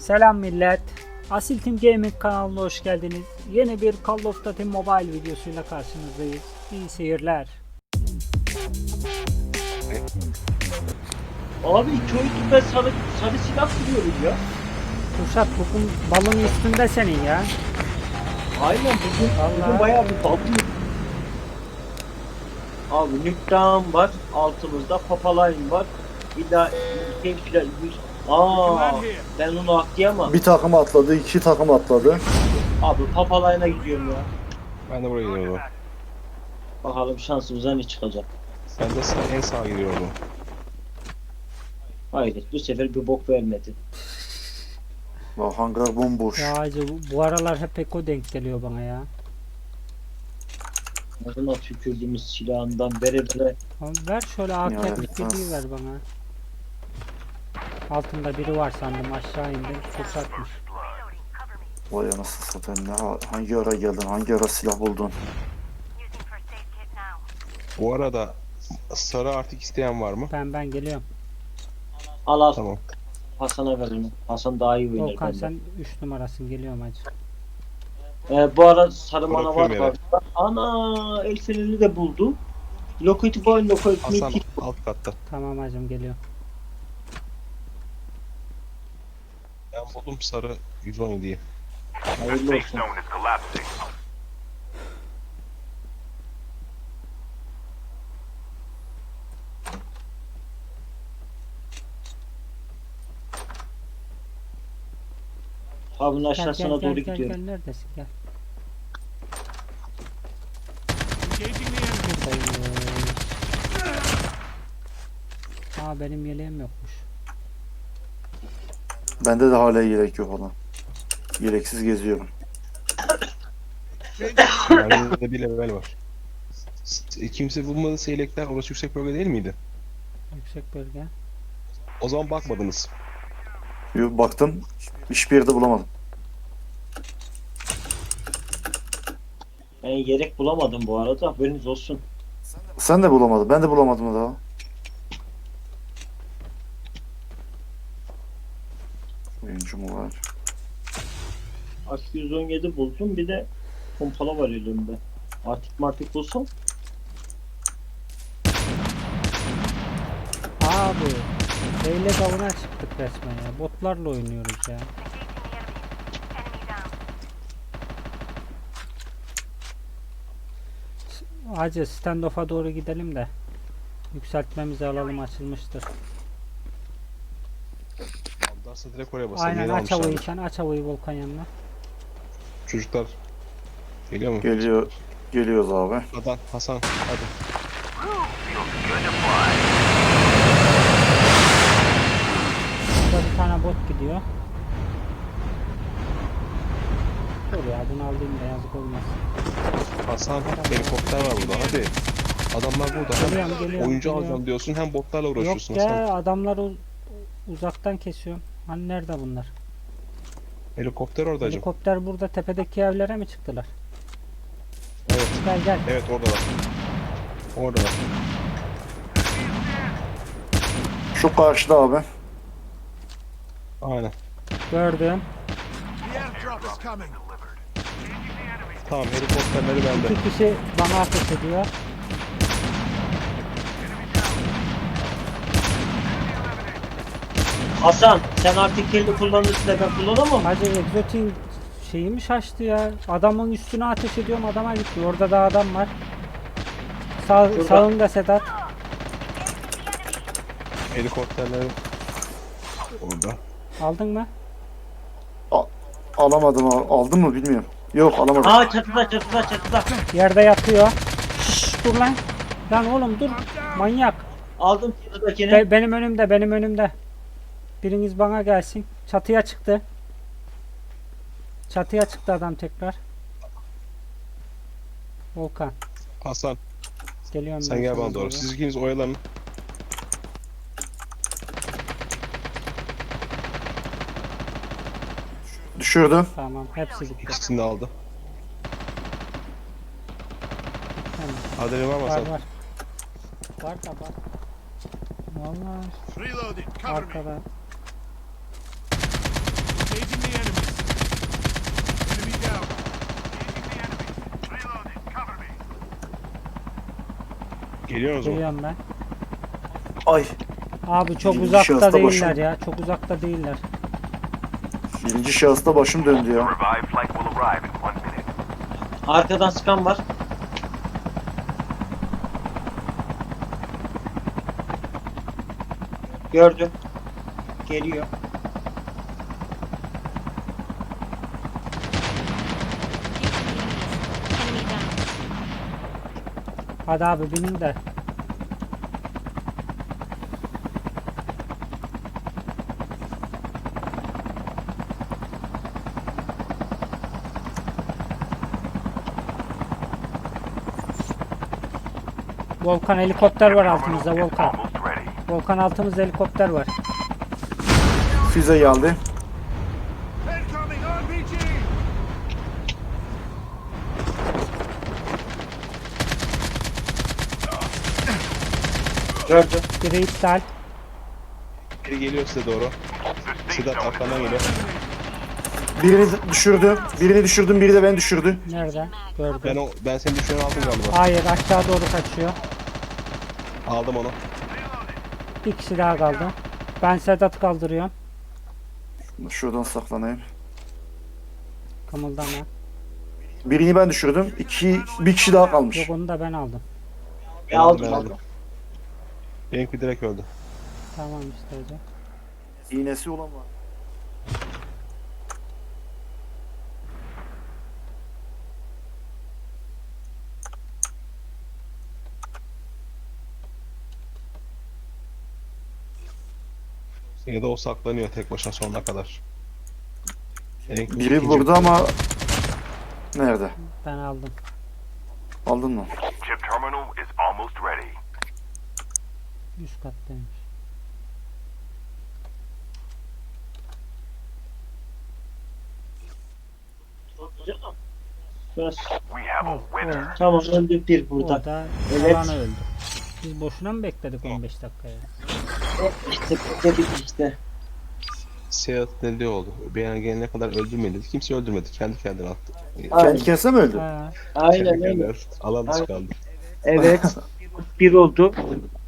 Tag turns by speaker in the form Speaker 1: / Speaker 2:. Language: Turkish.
Speaker 1: Selam millet. Asil Team Gaming kanalına hoş geldiniz. Yeni bir Call of Duty Mobile videosuyla karşınızdayız. İyi seyirler.
Speaker 2: Abi iki oyundur ben sarı silah buluyorum ya.
Speaker 1: Kuşat bugün balon üstünde senin ya.
Speaker 2: Aynen bugün bayağı bir balım. Abi Nüktan var altımızda, Papaline var. Bir daha ben onu atlayamam.
Speaker 3: Bir takım atladı, iki takım atladı.
Speaker 2: Abi Papaline'a gidiyorum ya.
Speaker 4: Ben de buraya gidiyorum.
Speaker 2: Bakalım şansımıza ne çıkacak.
Speaker 4: Ben de en sağa gidiyorum.
Speaker 2: Hayır bu sefer bir bok vermedi.
Speaker 3: Bak hangar bomboş.
Speaker 1: Ya acı bu aralar hep Eko denk geliyor bana ya.
Speaker 2: Ağzına tükürdüğümüz silahından vere.
Speaker 1: Oğlum ver şöyle AK
Speaker 3: Ya,
Speaker 1: 47'yi ver bana. Altında biri var sandım, aşağı indim. Kuşatmış.
Speaker 3: Vay anasını satayım, hangi ara geldin, hangi ara silah buldun?
Speaker 4: Bu arada sarı artık isteyen var mı?
Speaker 1: Ben geliyorum.
Speaker 2: Al.
Speaker 4: Tamam.
Speaker 2: Hasan'a ver onu. Hasan daha iyi oynar
Speaker 1: Volkan
Speaker 2: benden.
Speaker 1: sen 3 numarasın, geliyorum hacı.
Speaker 2: Bu ara sarı mana var.
Speaker 4: Bırakıyorum
Speaker 2: Ana el feneri de buldu. Lockheed Boy, Lockheed
Speaker 4: Hasan
Speaker 2: Meat.
Speaker 4: alt katta.
Speaker 1: Tamam hacım, geliyorum.
Speaker 4: Ben buldum sarı 117'yi.
Speaker 2: Hayırlı olsun. Abinin aşağısına doğru gidiyorum.
Speaker 1: Gel neredesin, gel. Aa, benim yeleğim yokmuş.
Speaker 3: Bende de hala yelek yok olan. Yeleksiz geziyorum.
Speaker 4: Bende de bir level var. Kimse bulmadı seylekler, orası yüksek bölge değil miydi?
Speaker 1: Yüksek bölge.
Speaker 4: O zaman bakmadınız.
Speaker 3: Bir baktım, hiçbir yerde bulamadım.
Speaker 2: Ben yelek bulamadım bu arada. Haberiniz olsun.
Speaker 3: Sen de bulamadın, ben de bulamadım daha. Oyuncu mu var?
Speaker 2: AK-117 buldum. Bir de pompala var elimde. Artık bulsam.
Speaker 1: Abi Beyle davuna çıktık resmen ya. Botlarla oynuyoruz ya. Hacı standoff'a doğru gidelim de yükseltmemizi alalım, açılmıştır.
Speaker 4: Aldarsa direkt oraya basalım.
Speaker 1: Aynen,
Speaker 4: Yeni
Speaker 1: aç havayı
Speaker 4: almışlardır.
Speaker 1: sen, aç havayı Volkan yanına.
Speaker 4: Çocuklar geliyor mu?
Speaker 3: Geliyoruz abi.
Speaker 4: Hasan hadi.
Speaker 1: Burada bir tane bot gidiyor. Dur ya, bunu alayım da yazık olmaz.
Speaker 4: Hasan helikopter var burada hadi. Adamlar burada. Hem
Speaker 1: Geliyorum,
Speaker 4: oyuncu
Speaker 1: geliyorum.
Speaker 4: alacağım diyorsun hem botlarla
Speaker 1: Yok
Speaker 4: uğraşıyorsun
Speaker 1: ya,
Speaker 4: Hasan.
Speaker 1: adamları uzaktan kesiyorum. Hani nerede bunlar?
Speaker 4: Helikopter orada hacım.
Speaker 1: Helikopter burada, tepedeki evlere mi çıktılar?
Speaker 4: Evet.
Speaker 1: Gel.
Speaker 4: Evet oradalar. Oradalar.
Speaker 3: Şu karşıda abi.
Speaker 4: Aynen.
Speaker 1: Gördüm.
Speaker 4: Tamam helikopterleri bende.
Speaker 1: İki kişi bana ateş ediyor.
Speaker 2: Hasan sen artık kendi kullanırsın da ben kullanamam.
Speaker 1: Hacı egzotin şeyi mi şaştı ya? Adamın üstüne ateş ediyorum, adama gitti. Orada da adam var. Sağında Sedat.
Speaker 4: Helikopterleri orada.
Speaker 1: Aldın mı?
Speaker 3: Alamadım, aldın mı bilmiyorum. Yok, alamadım.
Speaker 2: Aa çatıda.
Speaker 1: Yerde yatıyor. Şşş, dur lan. Lan oğlum dur. Manyak.
Speaker 2: Aldım çatıdakini.
Speaker 1: Benim önümde. Biriniz bana gelsin. Çatıya çıktı. Çatıya çıktı adam tekrar. Volkan.
Speaker 4: Hasan
Speaker 1: Geliyorum
Speaker 4: sen
Speaker 1: ben
Speaker 4: gel
Speaker 1: sana
Speaker 4: bana doğru. Siz ikiniz oyalanın.
Speaker 3: Düşürdüm.
Speaker 1: Tamam, hepsi gitti.
Speaker 4: İkisini de aldı.
Speaker 1: Tamam.
Speaker 4: Adeli var mı Hasan?
Speaker 1: Var. Var da var. Vallahi
Speaker 5: Reloading. Cover me.
Speaker 1: arkada.
Speaker 4: Geliyorsunuz mu?
Speaker 1: Geliyorum ben.
Speaker 3: Ay.
Speaker 1: Abi çok
Speaker 3: Birinci
Speaker 1: uzakta
Speaker 3: şahısta
Speaker 1: değiller
Speaker 3: başım.
Speaker 1: ya. Çok uzakta değiller.
Speaker 3: Birinci şahısta başım döndü ya.
Speaker 5: Revived flight will arrive in 1 minute.
Speaker 2: Arkadan sıkan var. Gördüm. Geliyor.
Speaker 6: Enemy down.
Speaker 1: Hadi abi binin de. Volkan helikopter var altımızda Volkan.
Speaker 5: Almost ready.
Speaker 1: Volkan altımızda helikopter var.
Speaker 3: Füze geldi.
Speaker 5: Incoming RPG!
Speaker 2: Gördüm.
Speaker 1: Biri iptal.
Speaker 4: Biri geliyor size doğru. Sedat arkandan geliyor.
Speaker 3: Birini düşürdü. Birini düşürdüm, biri de ben düşürdü.
Speaker 1: Nerede? Gördüm.
Speaker 4: Ben seni düşüren aldım galiba.
Speaker 1: Hayır aşağı doğru kaçıyor.
Speaker 4: Aldım onu.
Speaker 1: Bir kişi daha kaldı. Ben Sedat'ı kaldırıyorum.
Speaker 3: Şuradan saklanayım.
Speaker 1: Kımıldama.
Speaker 3: Birini ben düşürdüm. Bir kişi daha kalmış.
Speaker 1: Yok onu da ben aldım.
Speaker 4: Ben aldım. Benimki direkt öldü.
Speaker 1: Tamam işte hocam.
Speaker 3: İğnesi olan var.
Speaker 4: Ya da o saklanıyor tek başına sonuna kadar. Benimki
Speaker 3: Biri
Speaker 4: ikinci.
Speaker 3: burada ama nerede?
Speaker 1: Ben aldım.
Speaker 3: Aldın mı?
Speaker 5: Chip terminal is almost ready.
Speaker 1: Üst kattaymış.
Speaker 2: Biraz.
Speaker 5: We have a
Speaker 1: Al,
Speaker 5: winner.
Speaker 1: o,
Speaker 2: Tamam öldü bir burada.
Speaker 1: orada
Speaker 2: Evet.
Speaker 1: alanı öldü. Biz boşuna mı bekledik 15 dakikaya?
Speaker 2: İşte burada bir işte.
Speaker 4: Seyahat ne oldu? Ben gelene kadar öldürmedi. Kimse öldürmedi. Kendi kendine attı.
Speaker 3: Kendi kendine mi öldü?
Speaker 1: Ha,
Speaker 2: Aynen
Speaker 4: Kendi
Speaker 2: öyle.
Speaker 4: kendine alan dışı kaldı.
Speaker 2: Evet. Bir oldu.